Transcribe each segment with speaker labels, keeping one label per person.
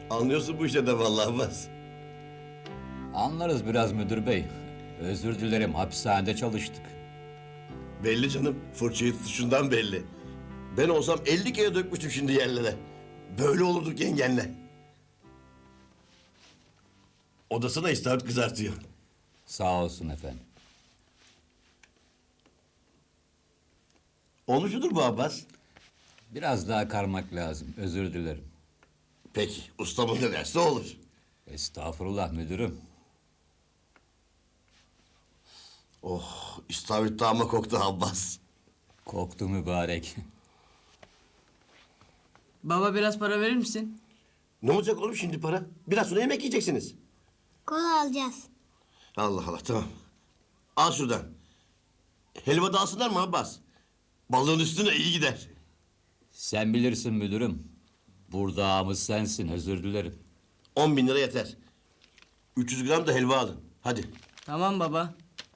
Speaker 1: Anlıyorsun bu işe de vallahi Abbas.
Speaker 2: Anlarız biraz müdür bey. Özür dilerim, hapishanede çalıştık.
Speaker 1: Belli canım, fırçayı tutuşundan belli. Ben olsam 50 kere dökmüştüm şimdi yerlere. Böyle olurduk yengenle. Odasına istavrit kızartıyor.
Speaker 2: Sağ olsun efendim.
Speaker 1: Olmuş mudur bu Abbas?
Speaker 2: Biraz daha karmak lazım, özür dilerim.
Speaker 1: Peki, ustamın ne derse olur.
Speaker 2: Estağfurullah müdürüm.
Speaker 1: Oh, istavrit dağıma koktu Abbas.
Speaker 2: Koktu mübarek.
Speaker 3: Baba biraz para verir misin?
Speaker 1: Ne olacak oğlum şimdi para? Biraz sonra yemek yiyeceksiniz.
Speaker 4: Kola alacağız.
Speaker 1: Allah Allah, tamam. Al şuradan. Helva da alsınlar mı Abbas? Balığın üstüne iyi gider.
Speaker 2: Sen bilirsin müdürüm. Burada ağamız sensin, özür dilerim.
Speaker 1: 10.000 lira yeter. 300 gram da helva alın. Hadi.
Speaker 3: Tamam baba.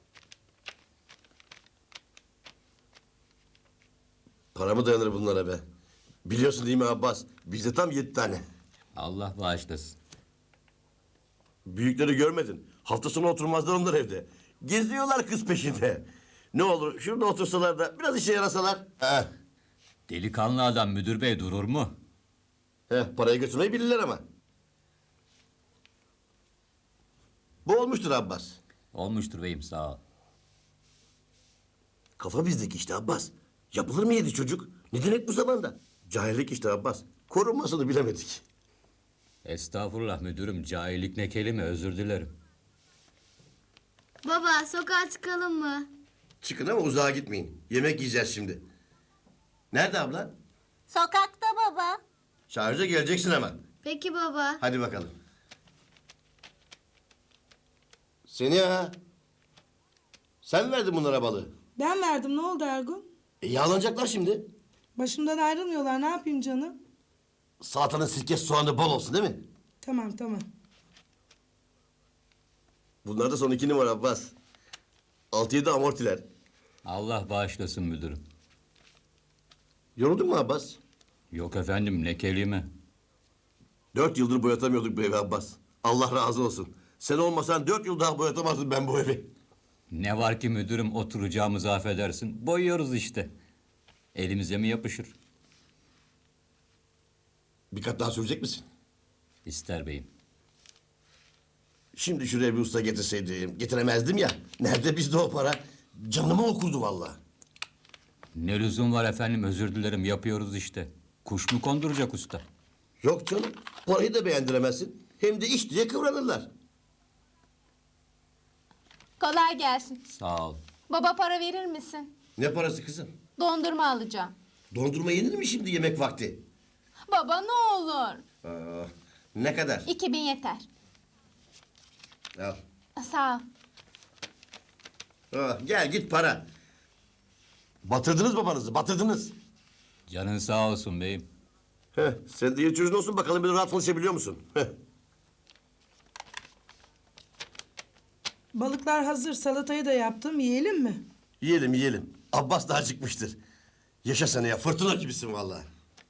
Speaker 1: Para mı dayanır bunlara be? Biliyorsun değil mi Abbas? Bizde tam 7 tane.
Speaker 2: Allah bağışlasın.
Speaker 1: Büyükleri görmedin. Hafta sonu oturmazlar onlar evde. Geziyorlar kız peşinde. Ne olur şurada otursalar da biraz işe yarasalar.
Speaker 2: Delikanlı adam müdür bey durur mu?
Speaker 1: Parayı götürmeyi bilirler ama. Bu olmuştur Abbas.
Speaker 2: Olmuştur beyim, sağ ol.
Speaker 1: Kafa bizdeki işte Abbas. Yapılır mı 7 çocuk? Ne demek bu zamanda? Cahillik işte Abbas. Korunmasını bilemedik.
Speaker 2: Estağfurullah müdürüm, cahillik ne kelime, özür dilerim.
Speaker 4: Baba sokağa çıkalım mı?
Speaker 1: Çıkın ama uzağa gitmeyin. Yemek yiyeceğiz şimdi. Nerede abla?
Speaker 4: Sokakta baba.
Speaker 1: Şarja geleceksin hemen.
Speaker 4: Peki baba.
Speaker 1: Hadi bakalım. Seniha. Sen verdin bunlara balığı.
Speaker 5: Ben verdim, ne oldu Ergun?
Speaker 1: Yağlanacaklar şimdi.
Speaker 5: Başımdan ayrılmıyorlar, ne yapayım canım?
Speaker 1: Salatanın sirkesi soğanı bol olsun değil mi?
Speaker 5: Tamam tamam.
Speaker 1: Bunlar da son 2 numara Abbas. 6-7 amortiler.
Speaker 2: Allah bağışlasın müdürüm.
Speaker 1: Yoruldun mu Abbas?
Speaker 2: Yok efendim, ne kelime.
Speaker 1: 4 yıldır boyatamıyorduk bu evi Abbas. Allah razı olsun. Sen olmasan 4 yıl daha boyatamazdım ben bu evi.
Speaker 2: Ne var ki müdürüm, oturacağımızı affedersin. Boyuyoruz işte. Elimize mi yapışır?
Speaker 1: Bir kat daha sürecek misin?
Speaker 2: İster beyim.
Speaker 1: Şimdi şuraya bir usta getirseydim. Getiremezdim ya. Nerede bizde o para? Canımı okurdu vallahi.
Speaker 2: Ne lüzum var efendim, özür dilerim, yapıyoruz işte. Kuş mu konduracak usta?
Speaker 1: Yok canım. Parayı da beğendiremezsin. Hem de iş diye kıvranırlar.
Speaker 6: Kolay gelsin.
Speaker 2: Sağ ol.
Speaker 6: Baba para verir misin?
Speaker 1: Ne parası kızım?
Speaker 6: Dondurma alacağım.
Speaker 1: Dondurma yenir mi şimdi yemek vakti?
Speaker 6: Baba ne olur.
Speaker 1: Ne kadar?
Speaker 6: 2000 yeter.
Speaker 1: Al.
Speaker 6: Sağ ol.
Speaker 1: Gel git para. Batırdınız babanızı, batırdınız.
Speaker 2: Canın sağ olsun beyim.
Speaker 1: Sen de iyi çocuğun olsun bakalım bir rahat konuşabiliyor musun?
Speaker 5: Balıklar hazır, salatayı da yaptım, yiyelim mi?
Speaker 1: Yiyelim yiyelim. Abbas da acıkmıştır. Yaşa sen ya, fırtına gibisin vallahi.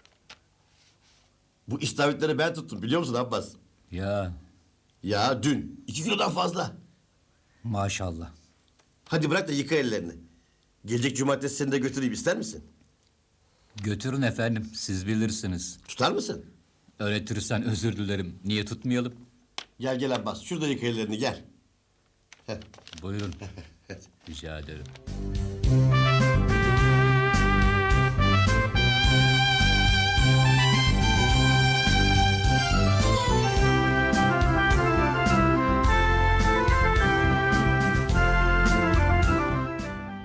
Speaker 1: Bu istavritleri ben tuttum biliyor musun Abbas?
Speaker 2: Ya
Speaker 1: Ya dün 2 kilodan fazla.
Speaker 2: maşallah.
Speaker 1: Hadi bırak da yıka ellerini. Gelecek cumartesi seni de götüreyim ister misin?
Speaker 2: Götürün efendim, siz bilirsiniz.
Speaker 1: Tutar mısın?
Speaker 2: Öğretirsen özür dilerim. Niye tutmayalım?
Speaker 1: Gel gel Abbas şurada yıka ellerini gel.
Speaker 2: Buyurun. Rica ederim.